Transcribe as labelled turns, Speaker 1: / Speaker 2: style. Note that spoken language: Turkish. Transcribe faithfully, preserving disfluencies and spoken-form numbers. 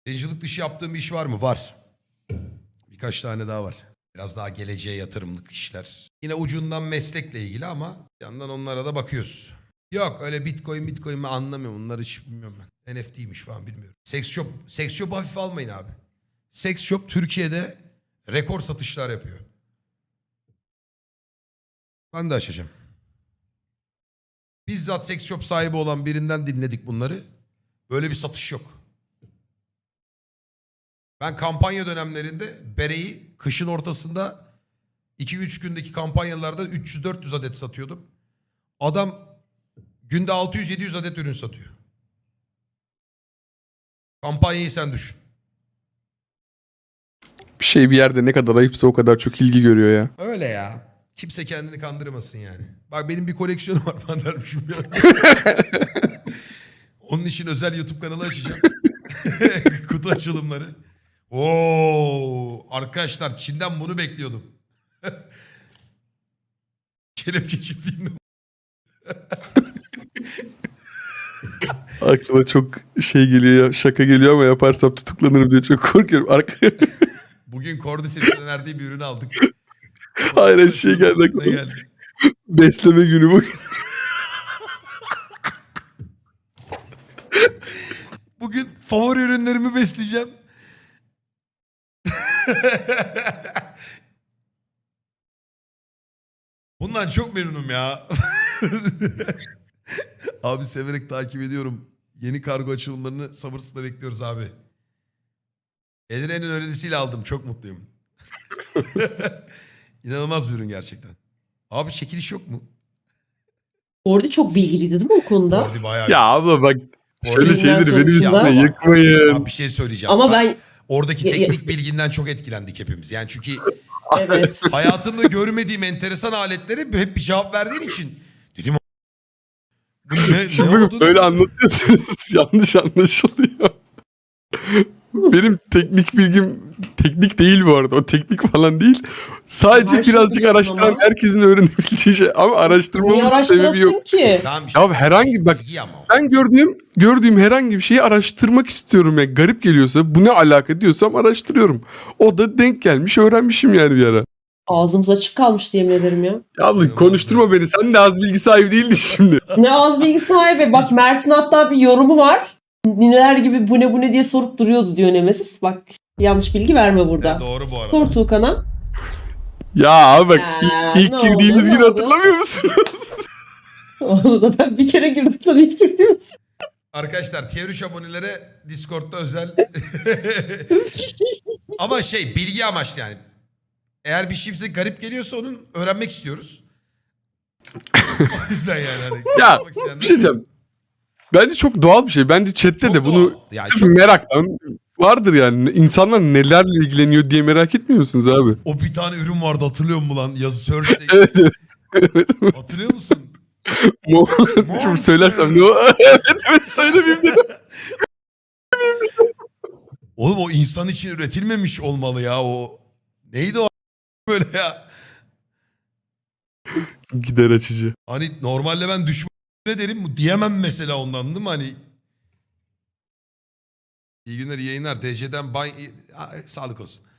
Speaker 1: Yayıncılık dışı yaptığım bir iş var mı? Var. Birkaç tane daha var. Biraz daha geleceğe yatırımlık işler. Yine ucundan meslekle ilgili ama bir yandan onlara da bakıyoruz. Yok öyle bitcoin bitcoin mi anlamıyorum. Onları hiç bilmiyorum ben. N F T'ymiş falan bilmiyorum. Sex shop. Sex shop hafife almayın abi. Sex shop Türkiye'de rekor satışlar yapıyor. Ben de açacağım. Bizzat sex shop sahibi olan birinden dinledik bunları. Böyle bir satış yok. Ben kampanya dönemlerinde bereyi kışın ortasında iki üç gündeki kampanyalarda üç yüz dört yüz adet satıyordum. Adam günde altı yüz yedi yüz adet ürün satıyor. Kampanyayı sen düşün.
Speaker 2: Bir şey bir yerde ne kadar ayıpsa o kadar çok ilgi görüyor ya.
Speaker 1: Öyle ya. Kimse kendini kandırmasın yani. Bak benim bir koleksiyonum var falan dermişim ya. Onun için özel YouTube kanalı açacağım. Kutu açılımları. Oo, arkadaşlar Çin'den bunu bekliyordum. Kelepçe çiftliğinde.
Speaker 2: Aklıma çok şey geliyor ya, şaka geliyor ama yaparsam tutuklanırım diye çok korkuyorum. Arka...
Speaker 1: Bugün Cordyceps'in önerdiği bir ürünü aldık.
Speaker 2: Hayır her şey geldi
Speaker 1: Ne
Speaker 2: aklıma.
Speaker 1: geldi?
Speaker 2: Besleme günü bu.
Speaker 1: Bugün favori ürünlerimi besleyeceğim. Bundan çok memnunum ya. Abi severek takip ediyorum. Yeni kargo açılımlarını sabırsızla bekliyoruz abi. Edine'nin önerisiyle aldım. Çok mutluyum. İnanılmaz bir ürün gerçekten. Abi çekiliş yok mu?
Speaker 3: Orada çok bilgiliydi değil mi o konuda?
Speaker 1: Kordi bayağı.
Speaker 2: Ya abla bak şöyle
Speaker 1: Kordi-
Speaker 2: şeyleri benim
Speaker 3: konusunda-
Speaker 2: üstüne yıkmayın.
Speaker 1: Abi bir şey söyleyeceğim.
Speaker 3: Ama
Speaker 1: Bak,
Speaker 3: ben
Speaker 1: oradaki
Speaker 3: Ya- ya-
Speaker 1: teknik bilginden çok etkilendik hepimiz. Yani çünkü
Speaker 3: evet.
Speaker 1: hayatımda görmediğim enteresan aletlere hep bir cevap verdiğin için dedim bu ne, ne
Speaker 2: Şimdi
Speaker 1: oldu?
Speaker 2: böyle anlatıyorsunuz yanlış anlaşılıyor. Benim teknik bilgim teknik değil bu arada. O teknik falan değil. Sadece
Speaker 3: Her şeyi
Speaker 2: birazcık
Speaker 3: biliyorsun
Speaker 2: araştıran
Speaker 3: ama.
Speaker 2: herkesin öğrenebileceği şey. Ama
Speaker 3: Niye
Speaker 2: araştırmamın sebebi
Speaker 3: araştırasın
Speaker 2: yok.
Speaker 3: ki?
Speaker 1: Tamam işte.
Speaker 2: Ya herhangi bak
Speaker 1: Bilgi ama o.
Speaker 2: ben gördüğüm gördüğüm herhangi bir şeyi araştırmak istiyorum. Yani garip geliyorsa bu ne alaka diyorsam araştırıyorum. O da denk gelmiş öğrenmişim yani bir ara.
Speaker 3: Ağzımız açık kalmıştı yemin ederim ya.
Speaker 2: Ya abla konuşturma beni. Sen de az bilgi sahibi değildin şimdi.
Speaker 3: Ne az bilgi sahibi. Bak Mert'in hatta bir yorumu var. Nineler gibi bu ne bu ne diye sorup duruyordu diyor Nemesis. Bak yanlış bilgi verme burada.
Speaker 1: Evet, doğru bu arada.
Speaker 3: Sor Tuğkan'a.
Speaker 2: Ya abi bak
Speaker 3: Ya,
Speaker 2: ilk, ilk
Speaker 3: ne
Speaker 2: girdiğimiz
Speaker 3: oldu, ne
Speaker 2: günü
Speaker 3: oldu?
Speaker 2: hatırlamıyor musunuz?
Speaker 3: Onu zaten bir kere girdik lan ilk girdiğimiz.
Speaker 1: Arkadaşlar tier üç abonelere Discord'da özel ama şey bilgi amaçlı yani. Eğer bir şey bize garip geliyorsa onun öğrenmek istiyoruz. O yüzden yani. Hani
Speaker 2: Ya
Speaker 1: yapmak isteyenler-
Speaker 2: bir şey diyeceğim. Bence çok doğal bir şey. Bence chatte
Speaker 1: Çok
Speaker 2: de bunu
Speaker 1: doğal. Yani
Speaker 2: sırf
Speaker 1: çok-
Speaker 2: meraktan vardır yani. İnsanlar nelerle ilgileniyor diye merak etmiyor musunuz abi?
Speaker 1: O bir tane ürün vardı hatırlıyor musun lan? Yazı search'te.
Speaker 2: Evet, evet. Evet.
Speaker 1: Hatırlıyor musun?
Speaker 2: Mo- Şimdi söylersem ne o? Evet evet söylemeyeyim dedim.
Speaker 1: Oğlum o insan için üretilmemiş olmalı ya o. Neydi o böyle ya?
Speaker 2: Gider açıcı.
Speaker 1: Hani normalde ben düşman ne derim bu diyemem mesela ondan değil mi hani? İyi günler iyi yayınlar. D C'den ban... Aa, sağlık olsun.